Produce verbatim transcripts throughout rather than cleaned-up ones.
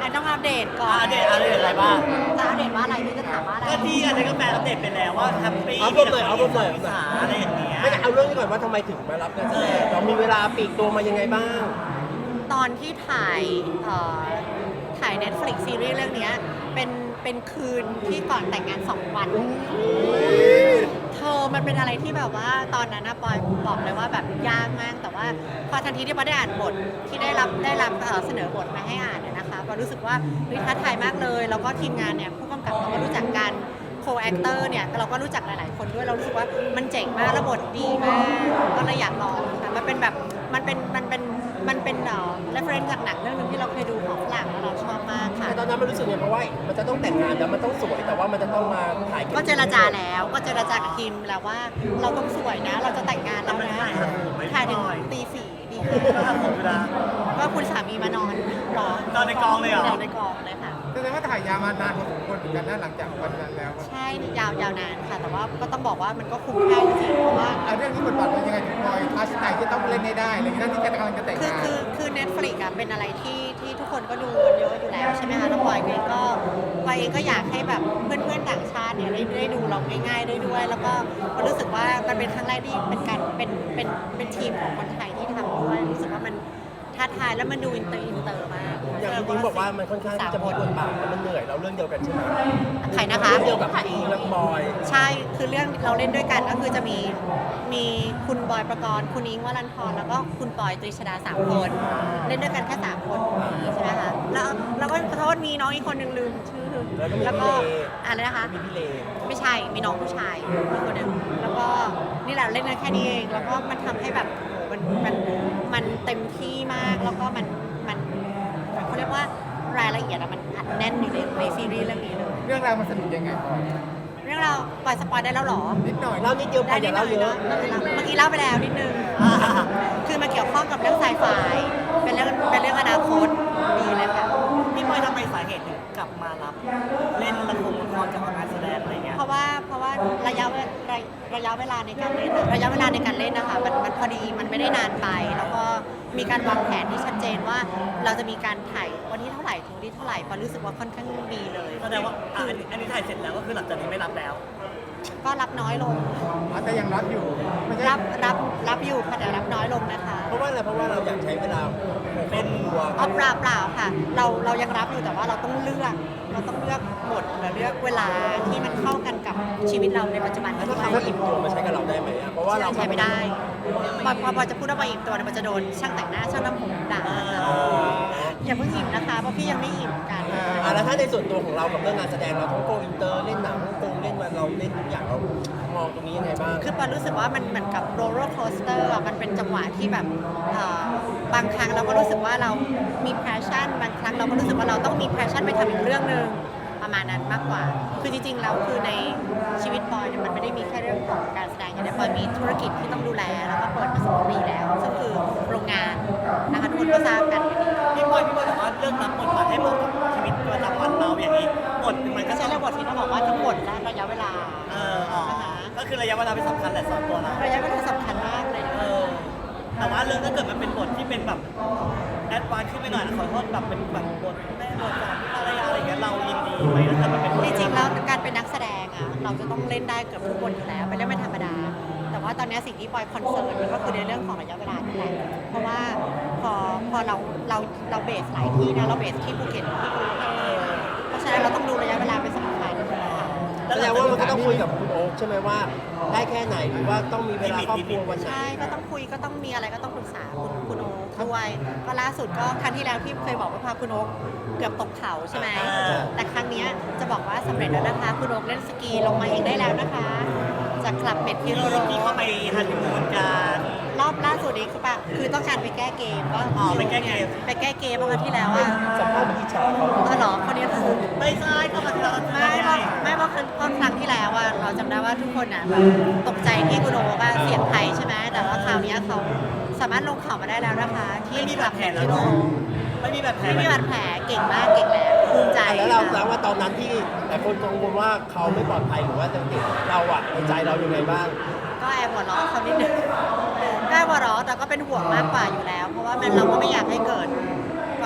นต้องอัปเดตก่อนอัปเดตอัปเดตอะไรบ้างจะอัปเดตว่าอะไรพี่จะถามว่าอะไรก็ที่อันนี้ก็แฟนอัปเดตไปแล้วว่าแฮปปี้เอาเพิ่มหน่อยเอาเพิ่มหน่อยวิสาอะไรอย่างเงี้ยไม่เอาเรื่องนี้ก่อนว่าทำไมถึงมารับงานแสดงเรามีเวลาปลีกตัวมายังไงบ้างตอนที่ถ่ายเอ่อถ่าย Netflix ซีรีส์เรื่องเนี้ยเป็นเป็นคืนที่ก่อนแต่งงานสองวันเธอมันเป็นอะไรที่แบบว่าตอนนั้นนะปอยบอกเลยว่าแบบยากมากแต่ว่าพอทันทีที่ปอยได้อ่านบทที่ได้รับได้รับเอ่อเสนอบทมาให้อ่านเนี่ยนะคะปอยรู้สึกว่าเฮ้ยท้าทายมากเลยแล้วก็ทีมงานเนี่ยผู้กำกับเราก็รู้จักกันโคแอคเตอร์เนี่ยเราก็รู้จักหลายๆคนด้วยเรารู้สึกว่ามันเจ๋งมากและบทดีมากก็เลยอยากลองค่ะมันเป็นแบบมันเป็นมันเป็นมันเป็นเอ่อ reference จากหนังเรื่องนึงที่เราเคยดูของฝรั่งแล้วเราชอบมากค่ะแต่ตอนนั้นมันรู้สึกไงเพราะว่ามันจะต้องแต่งงานแล้วมันต้องสวยแต่ว่ามันจะต้องมาถ่ายก็เจรจาแล้วก็เจรจากับทีมแล้วว่าเราต้องสวยนะ เราจะแต่งงานแล้วนะถ่ายถึงตีสี่ดีก็ทำผมเวลาก็คุณสามีมานอนรอนอนในกองเลยเหรอนอนในกองเลยค่ะแสดงว่าถ่ายยาวมานานพอสมควรเหมือนกันนะหลังจากวันนั้นแล้วใช่ยาวยาวนานค่ะ แต่ว่าก็ต้องบอกว่ามันก็คุ้มค่าจริงๆเพราะว่าเอาเรื่องนี้บทบาทเป็นยังไงถึงบอยทัชไหนที่ต้องเล่นให้ได้อะไรอย่างนี้นั่นที่กำลังจะแต่งคืองานคือคือ Netflix อะเป็นอะไรที่ที่ทุกคนก็ดูกันเยอะอยู่แล้วใช่ไหมคะแล้วปอยเองก็ปอยเองก็อยากให้แบบเพื่อนๆต่างชาติเนี่ยได้ได้ดูเราง่ายๆได้ด้วย แล้วก็ก็รู้สึกว่ามันเป็นครั้งแรกที่เป็นการเป็นเป็นเป็นทีมของคนไทยที่ทำด้วยรู้สึกว่ามันท้าทายแล้วมันดูอินเตอร์อินเตอร์มากอย่างที่นิ้งบอกว่ามันค่อนข้างที่จะมีบทบาทแล้วมันเหนื่อยเราเรื่องเดียวกันใช่ไหมใครนะคะเรื่องเดียวกับพี่และบอยใช่คือเรื่องเราเล่นด้วยกันก็คือจะมีมีคุณบอยประกรณ์คุณอิงค์วรันทรแล้วก็คุณปอยตรีชดาสามคนเล่นด้วยกันแค่สามคนใช่ไหมคะแล้วแล้วก็ขอโทษมีน้องอีกคนหนึ่งลืมชื่อแล้วก็มีพี่เลอะไรนะคะมีพี่เลไม่ใช่มีน้องผู้ชายอีกคนหนึ่งแล้วก็นี่แหละเล่นกันแค่นี้เองแล้วก็มันทำให้แบบโอ้โหมันมันมันเต็มที่มากแล้วก็มันมันเขาเรียกว่ารายละเอียดอะมันอัดแน่นอยู่ในในซีรีส์เรื่องนี้เลยเรื่องราวมันสนุกยังไงบอยเรื่องเราวปล่อยสปอยได้แล้วเหรอนิดหน่อยเล่านิดเดียวพออย่าเล่าเยอะเมื่อกี้เล่าไปแล้วนิดนึง คือมันเกี่ยวข้องกับเรื่องไซไฟเป็นเรื่องเป็นเรื่องอนาคตดีเลยค่ะพี่บอยทำไมสาเหตุถึงกลับมารับ เล่นละครละครกับงานแสดงอะไรเงี้ยเพราะว่าเพราะว่าระยะเวลาระยะเวลาในการเล่นระยะเวลาในการเล่นนะคะมันมันพอดีมันไม่ได้นานไป แล้วก็มีการวางแผนที่ชัดเจนว่าเราจะมีการถ่ายวันที่เท่าไหร่ถึงวันที่เท่าไหร่พอรู้สึกว่าค่อนข้างดีเลยแสดงว่าอ่ะอันนี้อันนี้ถ่ายเสร็จแล้วก็คือหลังจากนี้ไม่รับแล้วก็รับน้อยลงอ๋อแต่ยังรับอยู่ไม่ใช่รับรับรับอยู่ค่ะแต่รับน้อยลงนะคะเพราะว่าอะไรเพราะว่าเราอยากใช้เวลาเป็นครัวอ๋อเปล่าเปล่าค่ะ เราเรายังรับอยู่แต่ว่าเราต้องเลือก เราต้องเลือกบทหรือเลือกเวลาที่มันเข้ากันกับชีวิตเราในปัจจุบันแล้วด้ถ้าวยคำว่าอิ่มตัวมาใช้กับเราได้ไหมอะเพราะว่าเราใช้ไม่ได้พอพอพอจะพูดว่าไปอิ่มตัวเนี่ยมันจะโดนช่างแต่งหน้าช่างทำผมด่าอย่าเพิ่งอิ่มนะคะเพราะพี่ยังไม่อิ่มกันอ่าแล้วถ้าในส่วนตัวของเรากับเรื่องงานแสดงเราทั้งโกอินเตอร์เล่นหนังฮ่องกงเล่นมาเราเล่นทุกอย่างเรามองตรงนี้ยังไงบ้างคือปอนรู้สึกว่ามันเหมือนกับโรลเลอร์โคสเตอร์มันเป็นจังหวะที่แบบเอ่อบางครั้งเราก็รู้สึกว่าเรามีแพชชั่นบางครั้งเราก็รู้สึกว่าเราต้องมีแพชชั่นไปทำอีกเรื่องหนึ่งประมาณนั้นมากกว่า คือจริงๆแล้วคือในชีวิตปอยเนี่ยมันไม่ได้มีแค่เรื่องของการแสดงอย่างเดียวปอยมีธุรกิจที่ต้องดูแลแล้วก็เปิดมาสองปีแล้วซึ่งคือโรงงานนะคะทุกคนก็ทราบกันพี่บอยพี่บอยบอกว่าเลือกรับบทบาทให้เหมาะกับชีวิตประจำวันเราอย่างนี้บทมันก็ก็ใช้เรื่องบทที่เราบอกว่าทั้งหมดและระยะเวลาเอออ๋อก็คือระยะเวลาเป็นสำคัญแหละสำหรับตัวเราระยะเวลาสำคัญมากเลยนะเออแต่ว่าเรื่องถ้าเกิดมันเป็นบทที่เป็นแบบแอดวานซ์ขึ้นไปหน่อยนะขอโทษแบบเป็นแบบบทแม่บทสามีภรรยาอะไรอย่างเงี้ยเรายินดีไหมถ้าเกิดมันเป็นบทจริงๆแล้วการเป็นนักแสดงอ่ะเราจะต้องเล่นได้เกือบทุกบทอยู่แล้วเป็นเรื่องไม่ธรรมดา แต่ว่าตอนนี้สิ่งที่ปอยคอนเซิร์นมันก็คือในเรื่องของระยะเวลานี่แหละเพราะว่าพอพอเราเราเราเบสหลายที่นะเราเบสที่ภูเก็ตที่กรุงเทพเพราะฉะนั้นเราต้องดูระยะเวลาเป็นสำคัญนะคะแสดงว่ามันก็ต้องคุยกับคุณโอ๊คใช่ไหมว่าได้แค่ไหนหรือว่าต้องมีเวลาครอบครัววันไหนใช่ก็ต้องคุยก็ต้องมีอะไรก็ต้องปรึกษาคุณคุณโอ๊คด้วยก็ล่าสุดก็ครั้งที่แล้วที่เคยบอกว่าพาคุณโอ๊คเกือบตกเขาใช่ไหมแต่ครั้งนี้จะบอกว่าสำเร็จแล้วนะคะคุณโอ๊คเล่นสกีลงมาเองได้แล้วนะคะจากคลับเป็ดที่โรโรที่เขาไปฮันนีมูนกันรอบล่าสุดนี้คือปะคือต้องการไปแก้เกมก็อ๋อไปแก้เกมไปแก้เกมเมื่อวันที่แล้วอ่ะสัมภาษณ์อิจฉาเขาเออเหรอคนนี้คือไม่ใช่ก็มาทีละไม่เพราะไม่เพราะครั้งเพราะครั้งที่แล้วอ่ะเราจำได้ว่าทุกคนอ่ะแบบตกใจที่คุณโอว่าเสียงไทยใช่ไหมแต่ว่าคราวนี้เขาสามารถลงเขามาได้แล้วนะคะ ที่ไม่มีคบาลัดบแผลเป็ดแล้วที่โรเนาะไม่มีบาดแผลไม่มีบาดแผลเก่งมากเก่งแล้วภูมิใจแล้วเราแสดงว่าตอนนั้นที่หลายคนกังวลว่าเขาไม่ปลอดภัยหรือว่าจะติดเราอะในใจเรายังไงบ้างก็แอบหัวเราะเขานิดนึงก็แอบหัวเราะแต่ก็เป็นห่วงมากกว่าอยู่แล้ว เพราะว่ามันเราก็ไม่อยากให้เกิดคว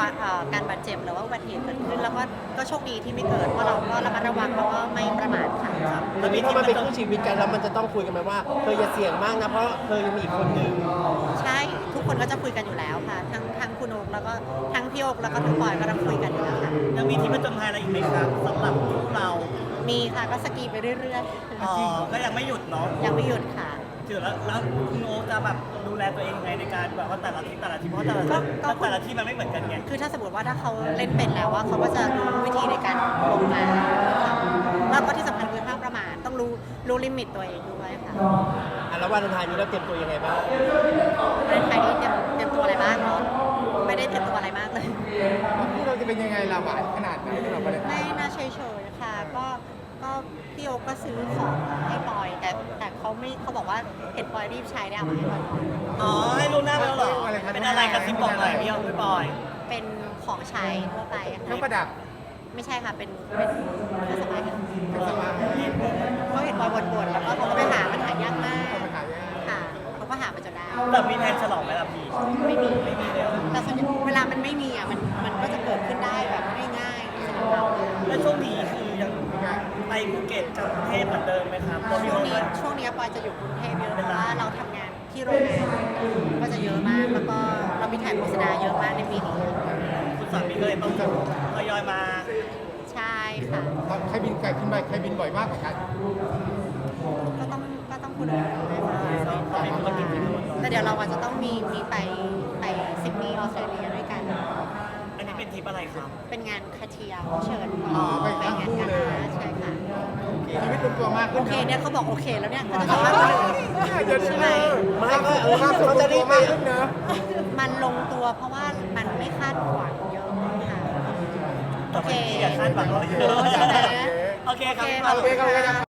เอ่อการบาดเจ็บหรือว่าอุบัติเหตุเกิดขึ้น แล้วก็ก็โชคดีที่ไม่เกิดเพราะเราก็ระมัดระวังแล้วก็ไม่ประมาทค่ะแล้วมีที่มันเป็นคู่ชีวิตกันแล้วมันจะต้องคุยกันไหมว่าเธออย่าเสี่ยงมากนะเพราะเธอยังมีอีกคนนึงใช่ทุกคนก็จะคุยกันอยู่แล้วค่ะ ทั้งทั้งคุณโอ๊คแล้วก็ทั้งพี่โอ๊คแล้วก็ทั้งปอยก็ต้องคุยกันอยู่แล้วค่ะยังมีที่ประจนภัยอะไรอีกไหมครับสำหรับคู่เรามีค่ะก็สกีไปเรื่อยอ๋อก็ยังไม่หยุดเนาะๆ ยังไม่หยุดค่ะถือแล้วแล้วคุณโอ๊คจะแบบดูแลตัวเองยังไงในการแบบว่าแต่ละที่แต่ละที่เพราะแต่ละที่ก็ก็แต่ละที่มันไม่เหมือนกันไงคือถ้าสมมติว่าถ้าเขาเล่นเป็นแล้วว่าเขาก็จะรู้วิธีในการลงมาแล้วก็ที่สำคัญคือห้ามประมาทต้องรู้รู้ลิมิตตัวเองด้วยค่ะอ่ะแล้ววันไทายนี้เราเตรียมตัวยังไงบ้างในไทยนี้เตรียมเตรียมตัวอะไรบ้างเนาะไม่ได้เตรียมตัวอะไรมากเลยที่เราจะเป็นยังไงล่ะหวานขนาดไหนสำหรับประเด็นไม่น่าเฉยๆค่ะ ก็ก็พี่โอ๊คก็ซื้อของให้ปอย แต่แต่เขาไม่เขาบอกว่าเห็นปอยรีบใช้ได้เอามาให้ปอยก่อนอ๋อให้รู้หน้าไปแล้วเหรอเป็นอะไรกระซิบบอกหน่อยพี่เอาพี่บอยเป็นของใช้ทั่วไปอะเครื่องปค่ะระดับไม่ใช่ค่ะ เป็นเป็นเครื่องสำอางเครื่องสำอางเขาเห็นปอยบ่นๆแล้วก็เขาก็ไปหามันหายากมากเอามาขายยังไงค่ะเขาก็หามาจนได้แต่มีแผนฉลองไหมล่ะพี่ไม่มีไม่มีเลยเหรอแต่ส่วนใหญ่เวลามันไม่มีอ่ะมันมันก็จะเกิดขึ้นได้แบบง่ายๆสำหรับเราแล้วช่วงนี้คือยังไปภูเก็ตกับกรุงเทพเหมือนเดิมไหมครับเรามีช่วงโรงนี้แรมช่วงนี้ปอยจะอยู่กรุงเทพเยอะเพราะว่าเราทำงานที่โรงงานก็จะเยอะมากแล้วก็เรามีถ่ายโฆษณาเยอะมากในปีนี้คุณสามีก็เลยต้องทยอยมาใช่ค่ะตอนใครบินไกลขึ้นไปใครบินบ่อยมากกว่ากันก็ต้องก็ต้องคุณด้วยค่ะแต่เดี๋ยวเราอาจจะต้องมีมีไปไปซิดนีย์ออสเตรเลียด้วยกันอันนี้เป็นทริปอะไรครับเป็นงานคาเทียเขาเชิญอ๋อไปไปทั้งงานคู่กันเลยใช่ค่ะชีวิตลงตัวมากโอขึ้นเคนะเนี่ยเขาบอกโอเคแล้วเนี่ยเขาจะทำมากกว่าเดิมเดี๋ยวใช่ไหมไม่ก็เออเขาจะรีบไปมากขึ้นเนอะมันลงตัวเพราะว่ามันไม่คาดหวังเยอะค่ะแต่บางทีอย่าคาดหวังเราเยอะใช่ไหมโอเคครับโอเคโอเคครับ